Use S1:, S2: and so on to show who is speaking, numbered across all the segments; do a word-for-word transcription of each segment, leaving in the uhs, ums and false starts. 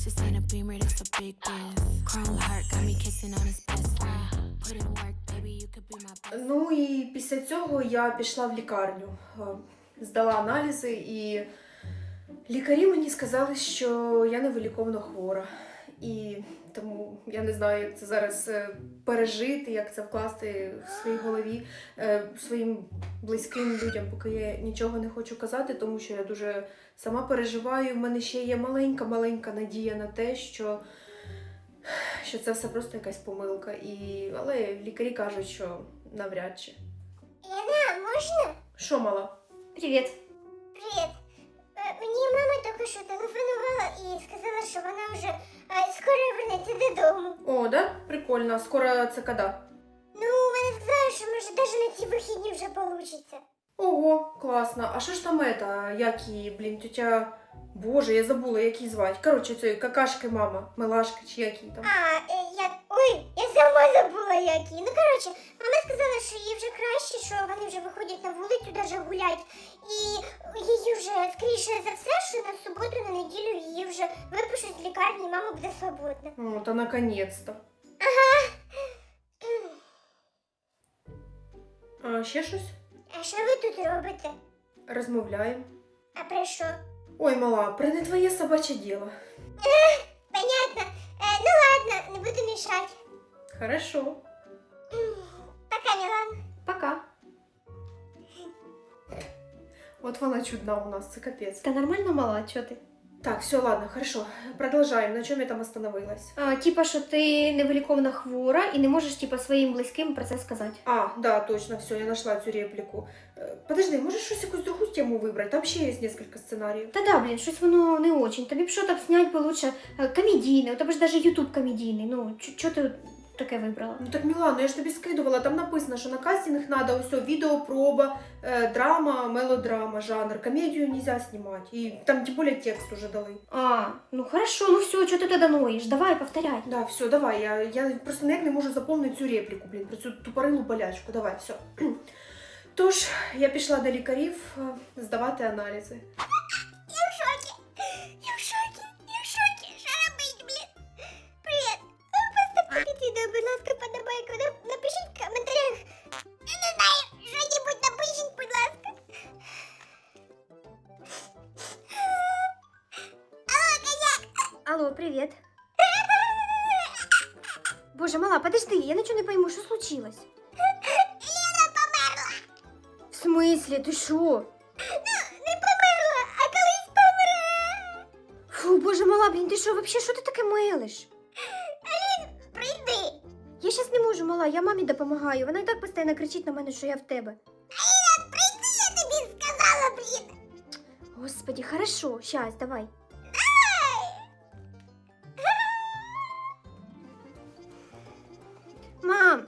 S1: bitch, this ain't a beamer, this a big gift. Chrome heart got me kissing on his best friend. Put in work, baby, you could be my best.
S2: Ну і після цього я пішла в лікарню, здала аналізи, і лікарі мені сказали, що я невиліковно хвора. І тому я не знаю, як це зараз пережити, як це вкласти в своїй голові своїм близьким людям, поки я нічого не хочу казати, тому що я дуже сама переживаю. У мене ще є маленька-маленька надія на те, що, що це все просто якась помилка. І... Але лікарі кажуть, що навряд чи.
S3: Лена, можна?
S2: Що, мала?
S4: Привіт.
S3: Привіт. Мені мама тільки що телефонувала і сказала, що вона вже а, скоро вернеться додому.
S2: О, да? Прикольно. Скоро це коли?
S3: Ну, вона сказала, що може навіть на ці вихідні вже вийде.
S2: Ого, класно. А що ж там это, як її, блін, тетя... Боже, я забула, як її звати. Коротше, цієї какашки мама, Милашка, чи як її там.
S3: А, е, я... Ой, я сама забула, як її. Ну, коротше, мама сказала, що їй вже краще, що вони вже виходять на вулицю даже гулять. І її вже, скоріше за все, що на суботу, на неділю її вже випишуть з лікарні, і мама буде свободна.
S2: О, та наконець-то.
S3: Ага.
S2: А ще щось?
S3: А що ви тут робите?
S2: Розмовляємо.
S3: А про що?
S2: Ой, мала, про не твоє собаче діло.
S3: Ех, понятно. Е, ну ладно, не буду мешать.
S2: Хорошо.
S3: Пока, Милан.
S2: Пока. От вона чудна у нас, це капець.
S4: Та нормально мала, чого ти?
S2: Так, все, ладно, хорошо. Продолжаем. На чому я там остановилась?
S4: А, типа, що ти невиліковно хвора і не можеш типа, своїм близьким про це сказати.
S2: А, да, точно, все, я нашла цю репліку. Е, Подожди, можеш щось якусь другу тему вибрати? Там ще є кілька сценаріїв.
S4: Та да, блін, щось воно не очень. Тобі б що там снять би лучше е, комедійне, у тебе ж даже ютуб комедійний. Ну, чого ти таке вибрала?
S2: Ну так, Мілано, я ж тобі скидувала, там написано, що на кастинг треба ось відеопроба, е, драма, мелодрама, жанр. Комедію нельзя знімати. І там тим більше текст уже дали.
S4: А, ну хорошо, ну все, чого ти тоді ноєш? Давай, повторяй.
S2: Да, все, давай, я, я просто ніяк не можу заповнити цю репліку, блін, про цю тупорилу болячку. Давай, все. Тож, я пішла до лікарів е, здавати аналізи.
S3: Я в шокі. Я в шокі. Я в шокі. Що робить, блін? Привіт. Поставте під відео, будь ласка, подобайку. Напишіть в коментарях. Я не знаю, що-небудь напишіть, будь ласка. Алло, коняк.
S4: Алло, привіт. Боже, мала, подожди, я нічого не пойму, що случилось?
S3: Лена померла.
S4: В смислі, ти що?
S3: Ну, не померла, а колись помре.
S4: Фу, боже, мала, блін, ти що, вообще, що ти таке мелиш?
S3: Алін, прийди.
S4: Я щас не можу, мала, я мамі допомагаю. Вона і так постійно кричить на мене, що я в тебе.
S3: Аліна, прийди, я тобі сказала, блін.
S4: Господи, хорошо, щас, давай. Мам!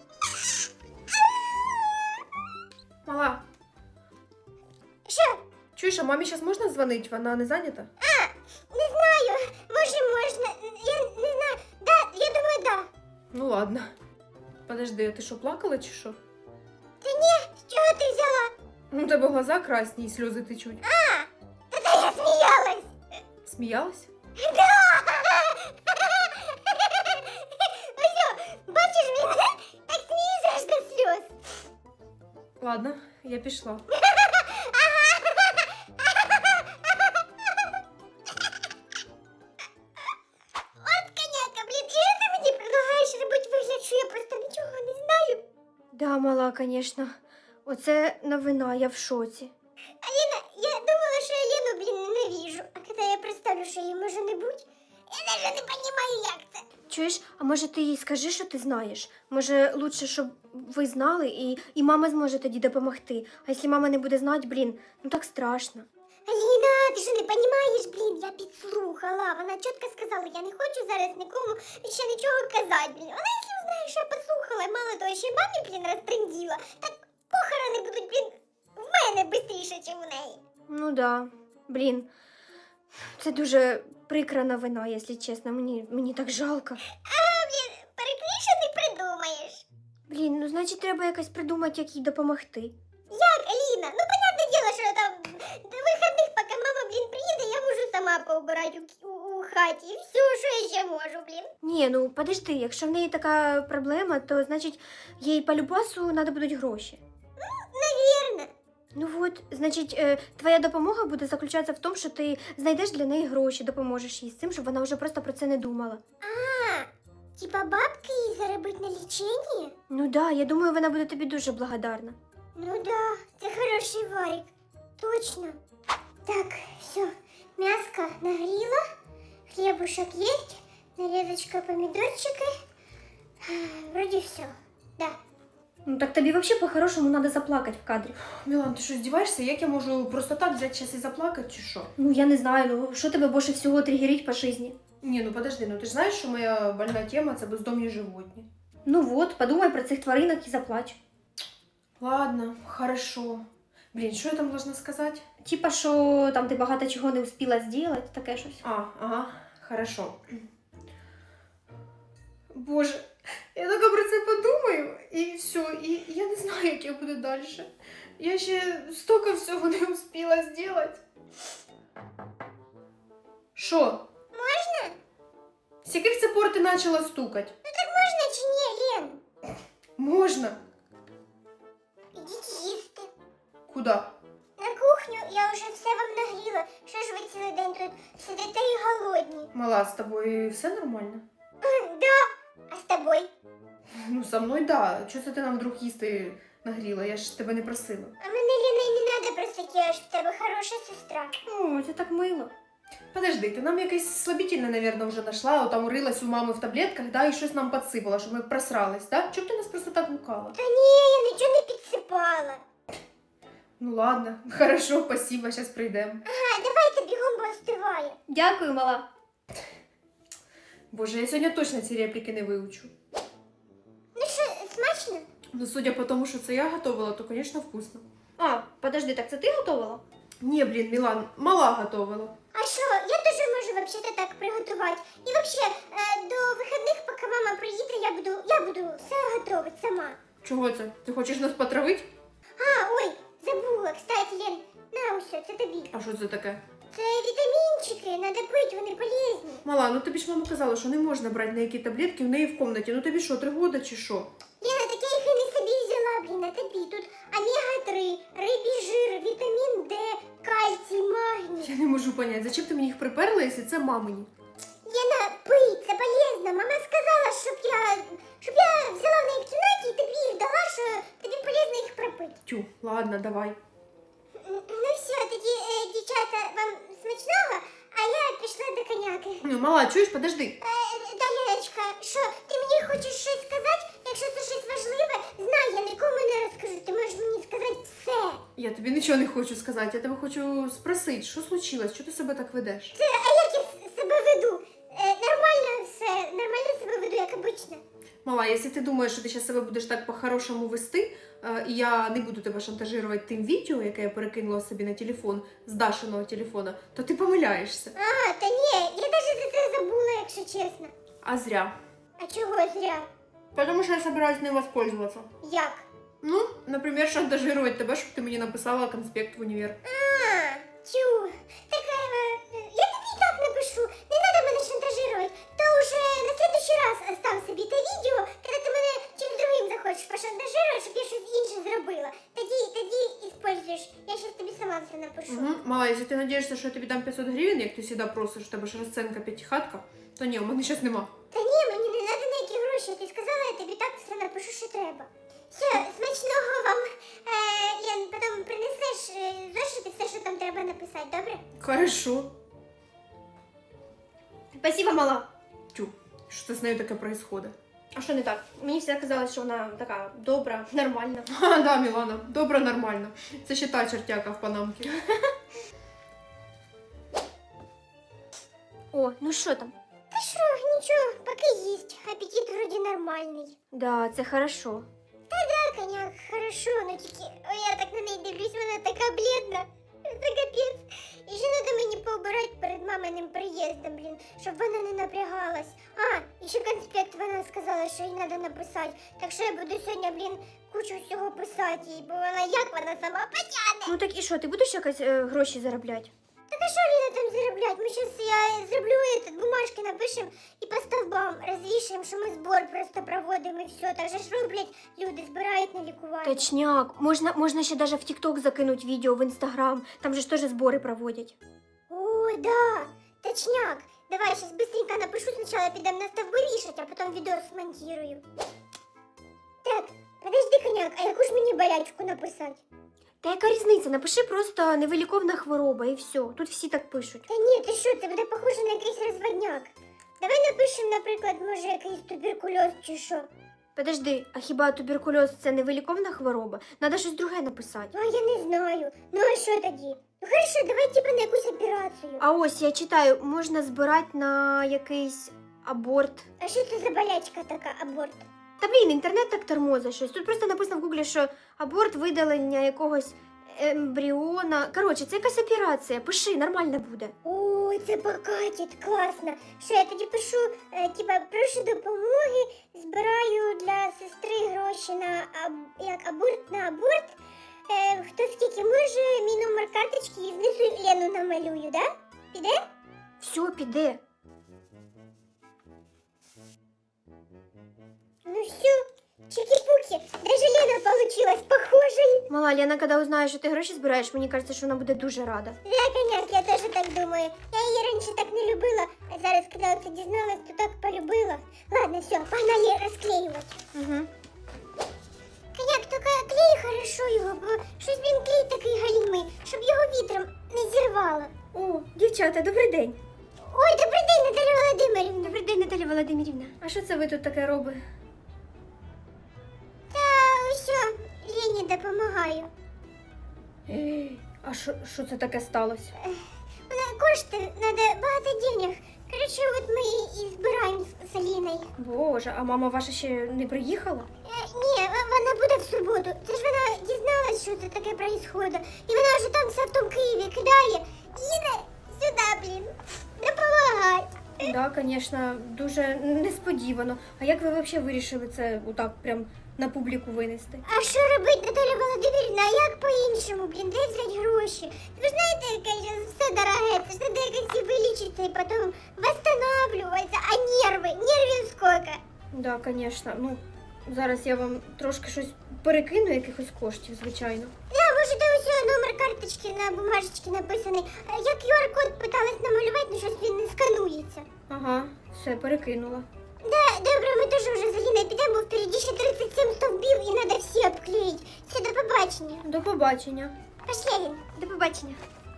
S2: Мала,
S3: Що?
S2: чуєш, а мамі зараз можна дзвонити? Вона не зайнята?
S3: А, не знаю, може можна, я не знаю, да, я думаю, да.
S2: Ну ладно. Подожди, а ти що, плакала чи що?
S3: Та ні, з чого ти взяла?
S2: Ну, у тебе глаза красні і сльози течуть.
S3: А, та та я сміялась.
S2: Сміялась?
S3: Да. Ось, о, бачиш, він так сміється аж до сльоз.
S2: Ладно, я пішла.
S3: От коняка, блін, і ти мені предлагаєш робити вигляд, що я просто нічого не знаю.
S4: Да, мала, конечно. Оце новина, я в шоці.
S3: Аліна, я думала, що я Лену, блін, ненавижу. А коли я представлю, що її може не бути, я навіть не розумію, як це.
S4: Чуєш, а може ти їй скажи, що ти знаєш? Може, лучше, щоб ви знали, і, і мама зможе тоді допомогти. А якщо мама не буде знати, блін, ну так страшно.
S3: Аліна, ти що не розумієш, блін, я підслухала. Вона чітко сказала, я не хочу зараз нікому ще нічого казати, блін. Вона, якщо знає, що я послухала, і мало того, що й мамі, блін, розтренділа, так похорони будуть, блін, в мене швидше, ніж у неї.
S4: Ну да, блін. Це дуже прикра новина, якщо чесно. Мені, мені так жалко.
S3: А, блін, перекріше не придумаєш.
S4: Блін, ну значить треба якось придумати, як їй допомогти.
S3: Як, Аліна? Ну, понятне діло, що там до вихідних, поки мама, блін, приїде, я можу сама поубирати у, у, у Каті, і все, що я ще можу, блін.
S4: Ні, ну подожди, якщо в неї така проблема, то значить їй по любасу треба будуть гроші.
S3: Навірно.
S4: Ну от, значить, е, твоя допомога буде заключатися в тому, що ти знайдеш для неї гроші, допоможеш їй з цим, щоб вона вже просто про це не думала.
S3: А, типа бабки їй заробити на ліченні?
S4: Ну да, я думаю, вона буде тобі дуже благодарна.
S3: Ну да, це хороший варик. Точно. Так, все, мяско нагріла, хлебушек есть, нарезочка, помидорчики. Вроде все, да.
S4: Ну так тобі взагалі по-хорошому треба заплакати в кадрі.
S2: Мілан, ти що, здіваєшся? Як я можу просто так взяти час і заплакати, чи що?
S4: Ну я не знаю, ну що тебе більше всього тригерить по житті?
S2: Ні, ну подожди, ну ти ж знаєш, що моя больна тема це бездомні животні.
S4: Ну от, подумай про цих тваринок і заплач.
S2: Ладно, хорошо. Блін, що я там должна сказати?
S4: Типа, що там ти багато чого не успіла зробити, таке щось.
S2: А, ага, хорошо. Боже, я тільки про це подумаю, і все, і я не знаю, як я буду далі. Я ще стільки всього не успіла зробити. Що?
S3: Можна?
S2: З яких це пор ти почала стукати?
S3: Ну так можна чи ні, Лен?
S2: Можна.
S3: Ідіть їсти.
S2: Куди?
S3: На кухню я вже все вам нагріла. Що ж ви цілий день тут сидите і голодні?
S2: Мала, з тобою все нормально?
S3: Да. А з тобою?
S2: Ну, со мною да. Чого це ти нам вдруг їсти нагріла? Я ж тебе не просила.
S3: А мене, Ліна, і не треба просити, я ж в тебе хороша сестра.
S4: О, це так мило.
S2: Подожди, ти нам якесь слабительне, наверное, вже знайшла, о, там рилась у мами в таблетках, да, і щось нам підсипала, щоб ми просрались, да? Чому б ти нас просто так гукала?
S3: Та ні, я нічого не підсипала.
S2: Ну ладно, хорошо, спасибо, зараз прийдемо.
S3: Ага, давайте бігом, бо остиває.
S4: Дякую, мала.
S2: Боже, я сьогодні точно ці репліки не вивчу.
S3: Ну що, смачно?
S2: Ну, судя по тому, що це я готувала, то, звісно, вкусно.
S4: А, подожди, так це ти готувала?
S2: Ні, блін, Мілан, мала готувала.
S3: А що, я теж можу вообще-то так приготувати. І вообще, е, до вихідних, поки мама приїде, я буду, я буду все готувати сама.
S2: Чого це? Ти хочеш нас потравити?
S3: А, ой, забула, кстати, Лен, на усе, це тобі.
S2: А що це таке?
S3: Це вітамінчики, треба пити, вони полезні.
S2: Мала, ну тобі ж мама казала, що не можна брати ніякі таблетки в неї в кімнаті. Ну тобі що, три года чи що?
S3: Лена, так я їх і не собі взяла, блін, а тобі. Тут омега три, рибий жир, вітамін Д, кальцій, магній.
S2: Я не можу поняти, зачем ти мені їх приперла, якщо це мамині?
S3: Лена, пий, це полезно. Мама сказала, щоб я, щоб я взяла в неї в кімнаті і тобі їх дала, що тобі полезно їх пропити.
S2: Тю, ладно, давай.
S3: Ну все, тоді, е, дівчата, вам смачного, а я пішла до коняки.
S2: Ну, мала, чуєш, подожди.
S3: Е, да, Леночка, що, ти мені хочеш щось сказати? Якщо це щось важливе, знай, я нікому не розкажу. Ти можеш мені сказати все.
S2: Я тобі нічого не хочу сказати, я тебе хочу спросити, що случилось, чого ти себе так ведеш?
S3: Це, а як я с- себе веду? Е, нормально все, нормально себе веду, як обично.
S2: Мала, якщо ти думаєш, що ти зараз себе будеш так по-хорошому вести, е, і я не буду тебе шантажувати тим відео, яке я перекинула собі на телефон, з Дашиного телефона, то ти помиляєшся.
S3: А, та ні, я навіть за це забула, якщо чесно.
S2: А зря.
S3: А чого зря?
S2: Потому що я собираюсь ним воспользоваться.
S3: Як?
S2: Ну, наприклад, шантажувати тебе, щоб ти мені написала конспект в універ.
S3: А, тю. Так, е, я тобі і так напишу. Не треба мене шантажувати. То вже на следующий раз остав собі те відео, коли ти мене чим другим захочеш пошантажувати, щоб я щось інше зробила. Тоді, тоді іспользуєш. Я щас тобі сама все напишу.
S2: Угу. Мала, якщо ти надієшся, що я тобі дам п'ятсот гривень, як ти завжди просиш, у тебе ж розценка п'ятихатка, то ні, у мене зараз нема.
S3: Та ні, мені не треба ніякі гроші. Ти сказала, я тобі так все напишу, що треба. Все, смачного вам, е, Лен, потім принесеш е, зошити все, що там треба написати, добре?
S2: Хорошо.
S4: Спасибо, мала.
S2: Тю, що це з нею таке происходит?
S4: А що не так? Мені всегда казалось, що вона така добра, нормальна.
S2: А, да, Мілана, добре, нормально. Це ще та чертяка в панамці.
S4: О, ну що там?
S3: Та що, нічого, поки їсть. Апетит вроді нормальний.
S4: Да, це хорошо.
S3: Да, коняк, хорошо, ну тільки, ой, я так на неї дивлюсь, вона така блідна. Це капець. І ще треба мені пообирати перед маминим приїздом, блін, щоб вона не напрягалась. А, і ще конспект вона сказала, що їй треба написати. Так що я буду сьогодні, блін, кучу всього писати їй, бо вона як вона сама потягне.
S4: Ну так і що, ти будеш якось е, гроші заробляти?
S3: Так а що Ліна там зароблять? Ми зараз я зроблю этот, бумажки напишемо і по стовбам розвішаємо, що ми збор просто проводимо і все. Так же ж роблять люди, збирають на лікування.
S4: Точняк. Можна, можна ще даже в ТикТок закинуть відео, в Інстаграм. Там же ж теж збори проводять.
S3: О, да, точняк. Давай сейчас быстренько напишу, сначала підемо на стовби вішать, а потім відео смонтирую. Так, подожди, коняк, а яку ж мені болячку написати?
S4: Та яка різниця? Напиши просто невиліковна хвороба і все. Тут всі так пишуть.
S3: Та ні, ти що, це буде похоже на якийсь розводняк. Давай напишемо, наприклад, може якийсь туберкульоз чи що.
S4: Подожди, а хіба туберкульоз це невиліковна хвороба? Надо щось друге написати.
S3: Ну, а я не знаю. Ну, а що тоді? Ну, хорошо, давай типа на якусь операцію.
S4: А ось я читаю, можна збирати на якийсь аборт.
S3: А що це за болячка така, аборт?
S4: Та блін, інтернет так тормозить щось. Тут просто написано в гуглі, що аборт видалення якогось ембріона. Коротше, це якась операція. Пиши, нормально буде.
S3: Ой, це покатить, класно. Що я тоді пишу, е, типа, прошу допомоги, збираю для сестри гроші на аб... як аборт на аборт. Е, хто скільки може, мій номер карточки і знизу Лену намалюю, да? Піде?
S4: Все, піде.
S3: Ну все, чики-пуки, даже Лена получилась похожей.
S4: Мала, Лена, коли узнає, що ти гроші збираєш, мені кажеться, що вона буде дуже рада.
S3: Да, коняк, я теж так думаю. Я її раніше так не любила, а зараз, коли це дізналась, то так полюбила. Ладно, все, погнали розклеювати.
S4: Угу.
S3: Коняк, тільки клей хорошо його, бо щось він клей такий галімий, щоб його вітром не зірвало.
S4: О, дівчата, добрий день.
S3: Ой, добрий день, Наталя Володимирівна.
S4: Добрий день, Наталя Володимирівна. А що це ви тут таке робите?
S3: Та ось, Лені допомагаю.
S4: Ей, а що, що це таке сталося?
S3: Вона кошти, треба багато денег. Коротше, от ми і збираємо з Аліною.
S4: Боже, а мама ваша ще не приїхала?
S3: Е, ні, в- вона буде в суботу. Це ж вона дізналась, що це таке происходит. І вона вже там все в тому Києві кидає. Їде сюди, блін. Допомагай.
S4: Так, да, звісно, дуже несподівано. А як ви взагалі вирішили це отак прям на публіку винести?
S3: А що робити, Наталя Володимирівна, а як по-іншому, блін, де взяти гроші? Ви знаєте, яке зараз все дороге, це ж треба якось і вилічитися і потім восстанавливатися, а нерви, нервів скільки.
S4: Так, да, звісно. Ну, зараз я вам трошки щось перекину, якихось коштів, звичайно.
S3: Да, можете ось його номер карточки на бумажечці написаний. Е, Я ку ар-код питалась намалювати, але щось він не сканується.
S4: Ага, все, перекинула.
S3: Да, добре, ми теж вже з Аліною підемо, бо впереді ще тридцять сім стовбів і треба всі обклеїти. Все, до побачення.
S4: До побачення.
S3: Пошли, Алін.
S4: До побачення.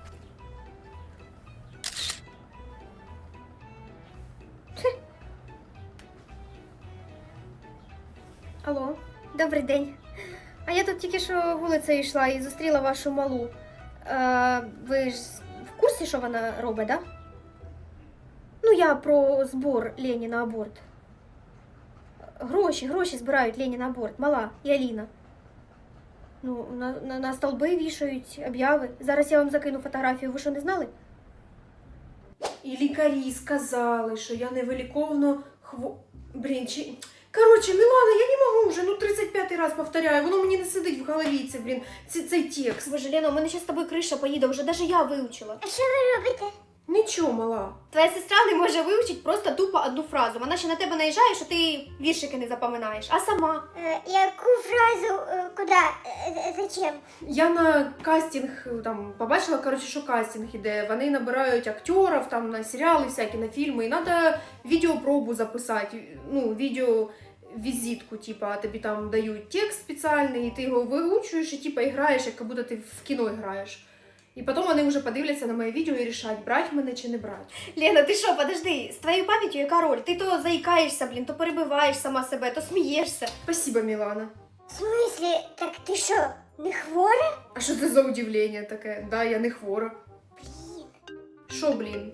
S4: Алло, добрий день. А я тут тільки що вулицею йшла і зустріла вашу малу. Е, ви ж в курсі, що вона робить, да? Ну, я про збор Лені на аборт. Гроші, гроші збирають Лені на аборт. Мала і Аліна. Ну, на, на, на столби вішають обяви. Зараз я вам закину фотографію. Ви що, не знали?
S2: І лікарі сказали, що я невиліковно хво... Блін, чи... Коротше, Мілана, я не можу вже, ну тридцять п'ятий раз повторяю, воно мені не сидить в голові, це, блін, ці, цей текст.
S4: Боже, Лена, у мене ще з тобою криша поїде, вже навіть я вивчила.
S3: А що ви робите?
S2: Нічого, мала.
S4: Твоя сестра не може вивчити просто тупо одну фразу. Вона ще на тебе наїжджає, що ти віршики не запам'ятаєш, а сама.
S3: Е, яку фразу, е, куди, е, зачем?
S2: Я на кастинг там побачила, коротше, що кастинг іде. Вони набирають актерів там на серіали всякі, на фільми. І треба відеопробу записати. Ну, відео візитку, типа, тобі там дають текст спеціальний, і ти його виучуєш, і типа граєш, як будто ти в кіно граєш. І потім вони вже подивляться на моє відео і рішать, брати мене чи не брати.
S4: Лена, ти що, подожди, з твоєю пам'яттю яка роль? Ти то заїкаєшся, блін, то перебиваєш сама себе, то смієшся.
S2: Спасибо, Мілана.
S3: В смислі, так ти що, не хвора?
S2: А що це за удивлення таке? Да, я не хвора.
S3: Блін.
S2: Що, блін?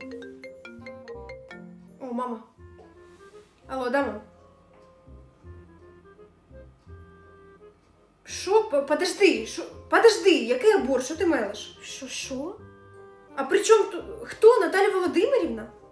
S2: О, мама. Алло, да, мам? Що? П- Подожди, що? Подожди, який аборт? Що ти мелиш?
S4: Що, що?
S2: А при чому тут? Хто? Наталя Володимирівна?